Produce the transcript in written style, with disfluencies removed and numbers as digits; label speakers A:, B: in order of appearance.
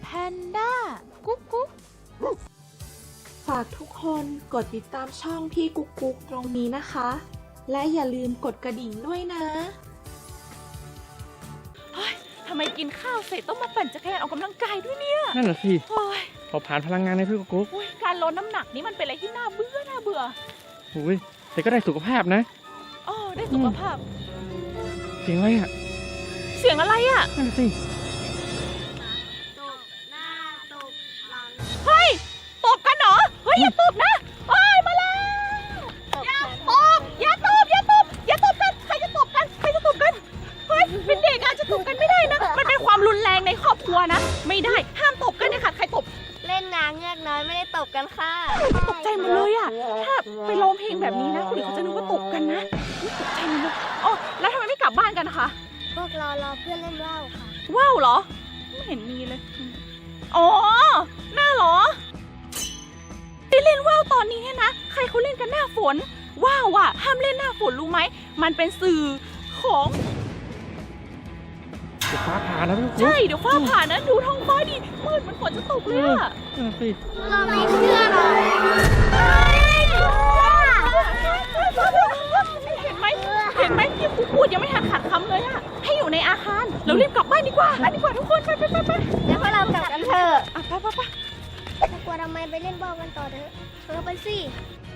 A: แพนด้ากุ๊กกุ๊ก
B: ฝากทุกคนกดติดตามช่องพี่กุ๊กกุ๊กตรงนี้นะคะ และอย่าลืมกดกระดิ่งด้วยนะ
A: ทำไมกินข้าวเสร็จต้องมาปั่นจักรยานออกกำลังกายด้วยเนี่ย
C: นั่นแหละสิ
A: โอ้ย
C: เผาผลาญพลังงานในพี่กุ๊ก
A: การลดน้ำหนักนี่มันเป็นอะไรที่น่าเบื่อ
C: อุ้ยแต่ก็ได้สุขภาพนะ
A: อ๋อได้สุขภาพ
C: เสียงอะไรอ่ะ
A: เสียงอะไรอ่ะ
C: นั่นแหละสิ
D: ตบหน้าตบหลัง
A: เฮ้ยตบกันเหรอเฮ้ยอย่าตบนะเฮ้ยมาแล้ว
D: ตบ
A: อย่าตบกันใครจะตบกันเฮ้ยเป็นเด็กอะจะตบกันไม่ได้นะมันเป็นความรุนแรงในครอบครัวนะไม่ได้ห้ามตบกันนะคะใครตบ
D: เล่นนางเงือกน้อยไม่ได้ตบกันค่ะ
A: ตกใจหมดเลยอะถ้าไปร้องเพลงแบบนี้นะคนอื่นเขาจะนึกว่าตบกันนะอุ๊ยตกใจหมดเลยอ๋อแล้วทำไมไม่กลับบ้านกันนะคะ
D: พวกเรารอเพื่อนเล่นว่าวค่ะ
A: ว้าวเหรอไม่เห็นมีเลยอ๋อหน้าเหรอไปเล่นว่าวตอนนี้เนี่ยนะใครเขาเล่นกันหน้าฝนว้าวอะห้ามเล่นหน้าฝนรู้ไหมมันเป็นสื่อของ
C: เดี๋ยวฟ้าผ่านะพี่กุ๊ก
A: ใช่เดี๋ยวฟ้าผ่านะดูท้องฟ้าดิมืดมันฝนจะตกเลยอะ
C: นั่นแหละสิ
D: เราไม่เชื่อหรอก
A: เห็นไหมที่ครูพูดยังไม่ทันขาดคำเลยอะให้อยู่ในอาคารเรารีบกลับบ้านดีกว่าทุกคนไป
D: แล้วพวกเรากลับกันเถอะ
A: อ่ะไป
D: ถ้ากลัวทำไมไปเล่นว่าวกันต่อเถอะไปสิ